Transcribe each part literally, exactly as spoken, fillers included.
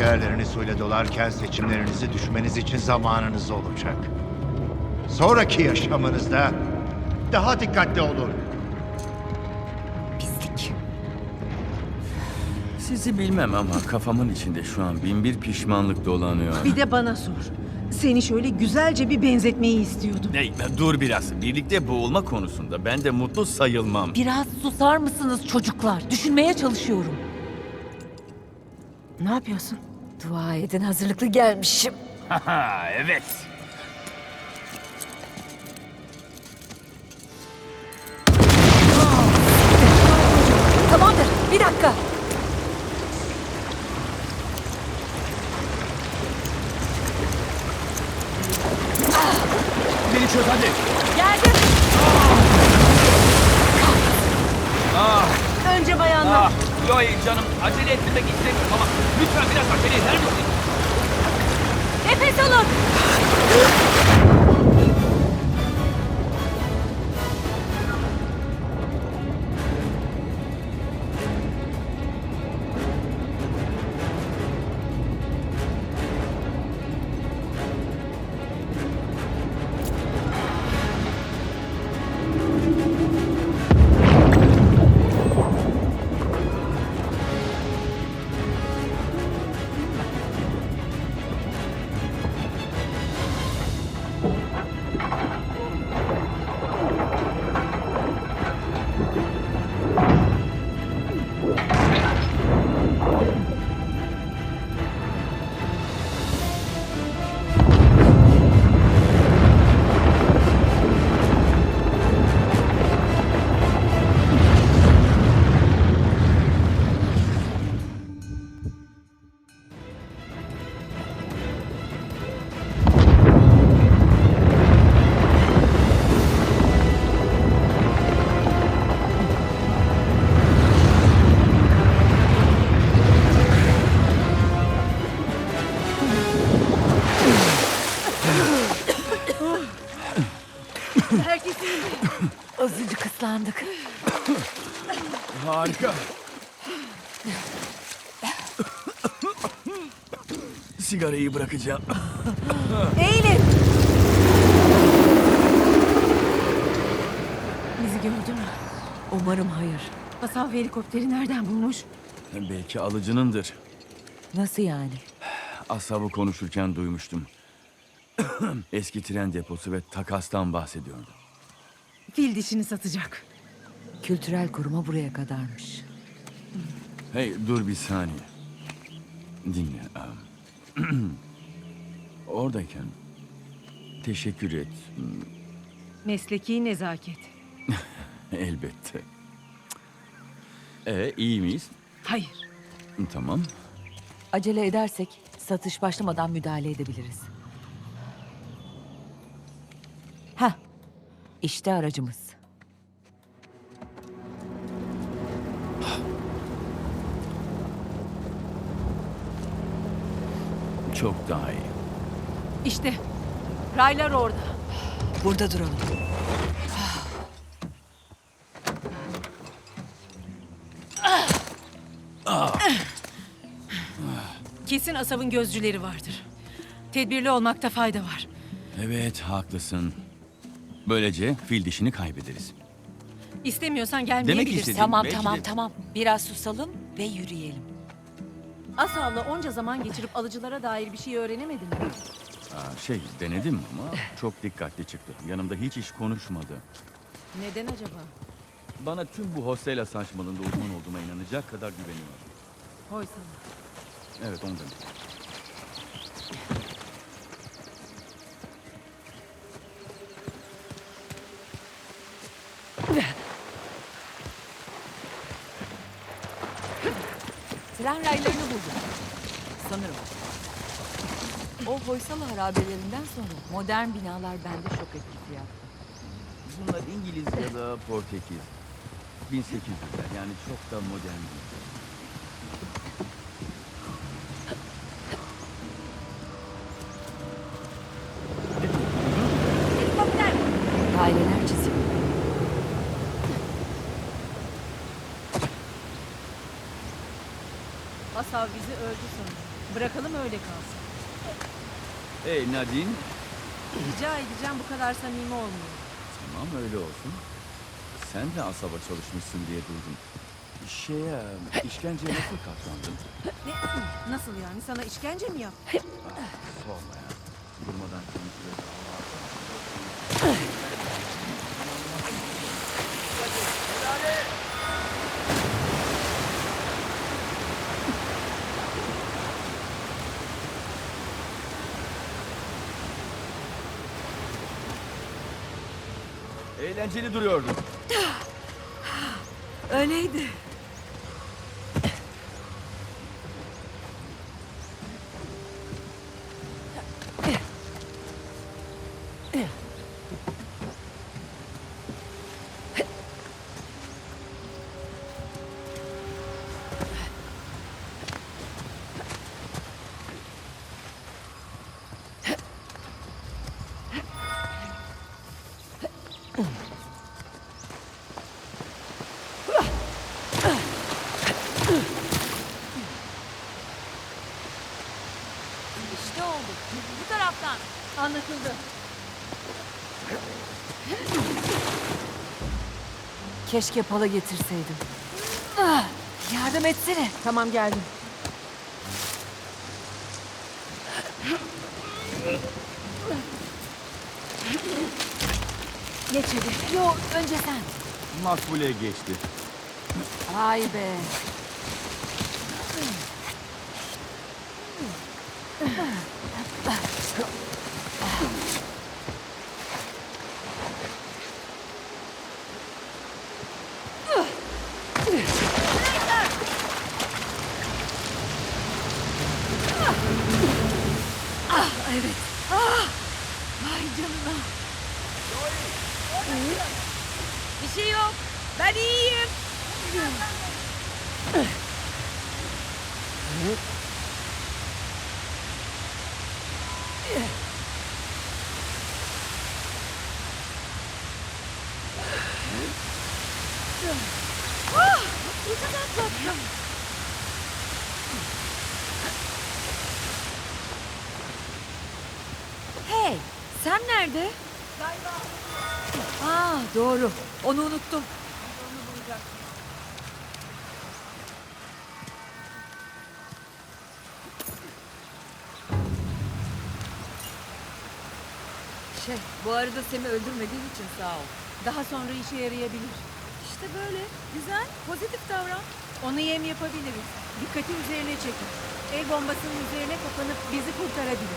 Akciğerlerini suyla dolarken seçimlerinizi düşmeniz için zamanınız olacak. Sonraki yaşamınızda daha dikkatli olun. Pislik. Sizi bilmem ama kafamın içinde şu an bin bir pişmanlık dolanıyor. Bir de bana sor. Seni şöyle güzelce bir benzetmeyi istiyordum. Hey, dur biraz. Birlikte boğulma konusunda ben de mutlu sayılmam. Biraz susar mısınız çocuklar? Düşünmeye çalışıyorum. Ne yapıyorsun? Dua edin, hazırlıklı gelmişim. Haha, evet. Tamamdır, bir dakika. Beni çöz hadi. Geldim. Önce bayanlar. Ah, Chloe canım acele etmek istemiyorum ama lütfen biraz acele eder misin? Nefes alın. Herkesin Azıcık ıslandık. Harika. Sigarayı bırakacağım. Eğilin. bizi gördü mü? Umarım hayır. Asav helikopteri nereden bulmuş? Belki alıcınındır. Nasıl yani? Asabı konuşurken duymuştum. Eski tren deposu ve takastan bahsediyordu. Fil dişini satacak. Kültürel koruma buraya kadarmış. Hey dur bir saniye. Dinle. am. Oradayken teşekkür et. Mesleki nezaket. Elbette. E iyi miyiz? Hayır. Tamam. Acele edersek satış başlamadan müdahale edebiliriz. Heh. İşte aracımız. Çok daha iyi. İşte. Raylar orada. Burada duralım. Kesin Asav'ın gözcüleri vardır. Tedbirli olmakta fayda var. Evet haklısın. Böylece fil dişini kaybederiz. İstemiyorsan gelmeyebilirsin. istedim. Tamam belki tamam de- tamam. Biraz susalım ve yürüyelim. Asav'la onca zaman geçirip alıcılara dair bir şey öğrenemedin mi? Aa, şey denedim ama çok dikkatli çıktı. Yanımda hiç iş konuşmadı. Neden acaba? Bana tüm bu hostela saçmalığında uzman olduğuma inanacak kadar güveniyor. Hoy sana. Evet ondan. Tren raylarını buldum. Sanırım. O Hoysala harabelerinden sonra modern binalar bende şok etkisi yaptı. Bunlar İngiliz ya da Portekiz. bin sekiz yüzler yani çok da modern değil. Helikopter! Daireler çizimi. Asav bizi öldü sanırım. Bırakalım öyle kalsın. Hey Nadine. Rica edeceğim, bu kadar samimi olmuyor. Tamam öyle olsun. Sen de asaba çalışmışsın diye duydum. Şeye, işkenceye nasıl katlandın? Ne? Nasıl yani? Sana işkence mi yap? Sorma ya. Durmadan konuşuyor. Eğlenceli duruyordu. Öyleydi. İşte oldu. Bu taraftan. Anlaşıldı. Keşke pala getirseydim. Ah, yardım etsene. Tamam, geldim. Geç hadi. Yo, önce sen. Makbule geçti. Ay be. Ah, evet. Ah, vay canına. Bir şey yok. Ben iyiyim. Ah, ucuz atlattım. Hey, sen nerede? Aa, doğru. Onu unuttum. Şey, bu arada seni öldürmediğim için sağ ol. Daha sonra işe yarayabilir. İşte böyle. Güzel, pozitif davran. Onu yem yapabiliriz. Dikkati üzerine çekin. El bombasının üzerine kapanıp bizi kurtarabilir.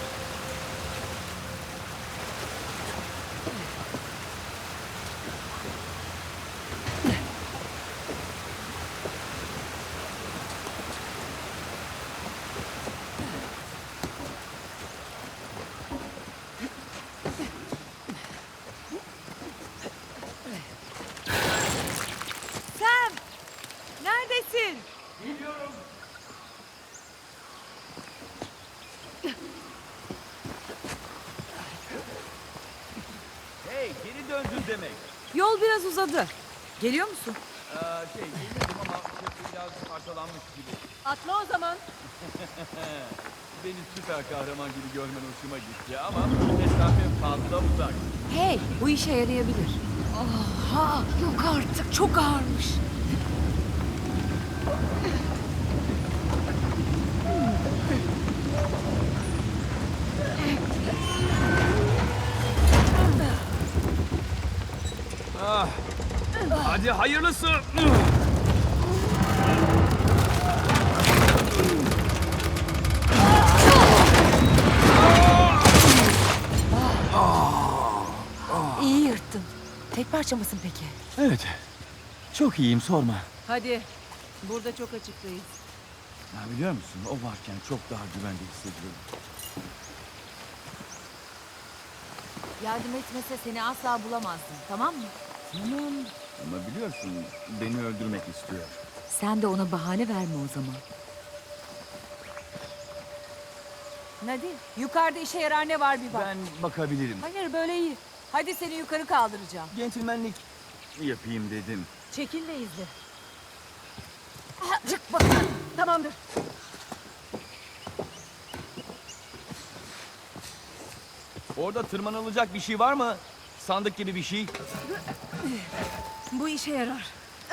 Sam! Neredesin? Hey geri döndün demek. Yol biraz uzadı. Geliyor musun? Ee, şey gelmedim ama sesi biraz parçalanmış gibi. Atla o zaman. Beni süper kahraman gibi görmen hoşuma gitti ama mesafe fazla uzak. Hey, bu işe yarayabilir. Aha, yok artık. Çok ağırmış. Ah, hadi hayırlısı. İyi yırttın. Tek parça mısın peki? Evet. Çok iyiyim sorma. Hadi. Burada çok açıktayız. Ya biliyor musun o varken çok daha güvende hissediyorum. Yardım etmese seni asla bulamazdın, tamam mı? Tamam. Ama biliyorsun beni öldürmek istiyor. Sen de ona bahane verme o zaman. Nadine, yukarıda işe yarar ne var bir bak. Ben bakabilirim. Hayır, böyle iyi. Hadi seni yukarı kaldıracağım. Centilmenlik yapayım dedim. Çekil de izle. Çık bakalım. Tamamdır. Orada tırmanılacak bir şey var mı? Sandık gibi bir şey. Bu işe yarar.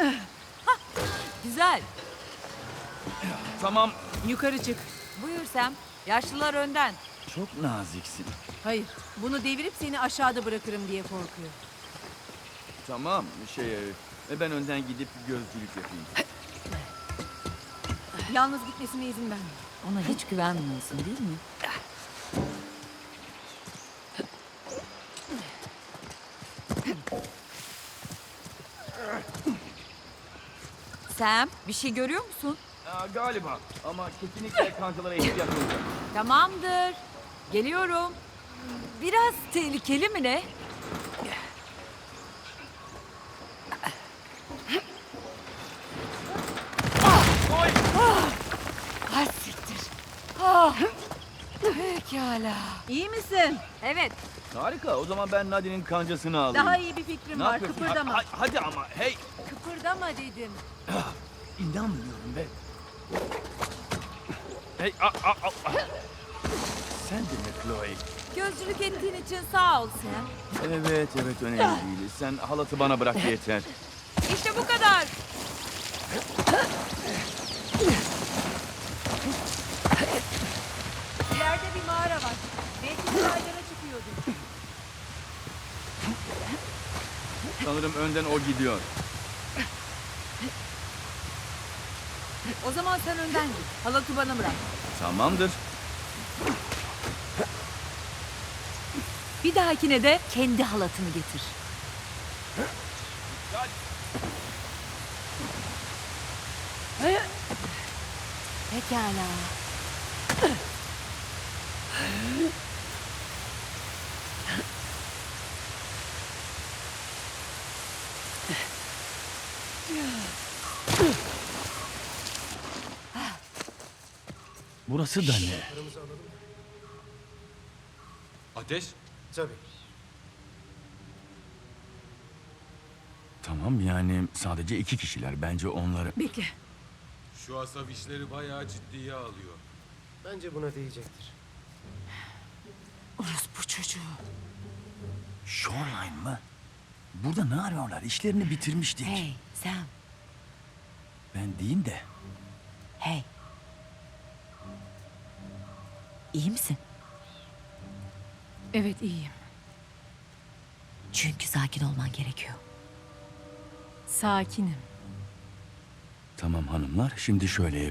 Güzel. Tamam. Yukarı çık. Buyur Sam. Yaşlılar önden. Çok naziksin. Hayır. Bunu devirip seni aşağıda bırakırım diye korkuyor. Tamam. Şey, e, ben önden gidip gözcülük yapayım. Yalnız gitmesine izin verme. Ona hiç güvenmiyorsun değil mi? Sam, bir şey görüyor musun? Aa, galiba. Ama kesinlikle kancalara ihtiyaç olacak. Tamamdır. Geliyorum. Biraz tehlikeli mi ne? Oy! Ah siktir. Ah. Pekala. İyi misin? Evet. Harika. O zaman ben Nadine'in kancasını alayım. Daha iyi bir fikrim Ne var. yapıyorsun? Kıpırdama. Ha- ha- hadi ama hey. Kıpırdama dedim. İnanmıyorum be. Hey, a, a, a, a. Sen de mi Chloe? Gözcülük ettiğin için sağ ol Sam. Evet, evet önemli değil. Sen halatı bana bırak yeter. İşte bu kadar. İleride bir mağara var. Belki sahillere çıkıyordur. Sanırım önden o gidiyor. O zaman sen önden git. Halatı bana bırak. Tamamdır. Bir dahakine de kendi halatını getir. Pekala. Burası da ne? Ateş? Tabii. Tamam yani sadece iki kişiler. Bence onları... Bekle. Şu asab işleri bayağı ciddiye alıyor. Bence buna değecektir. Orospu çocuğu. Shoreline mı? Burada ne arıyorlar? İşlerini bitirmiştik. Hey Sam. Ben diyeyim de. Hey. İyi misin? Evet iyiyim. Çünkü sakin olman gerekiyor. Sakinim. Tamam hanımlar, şimdi şöyle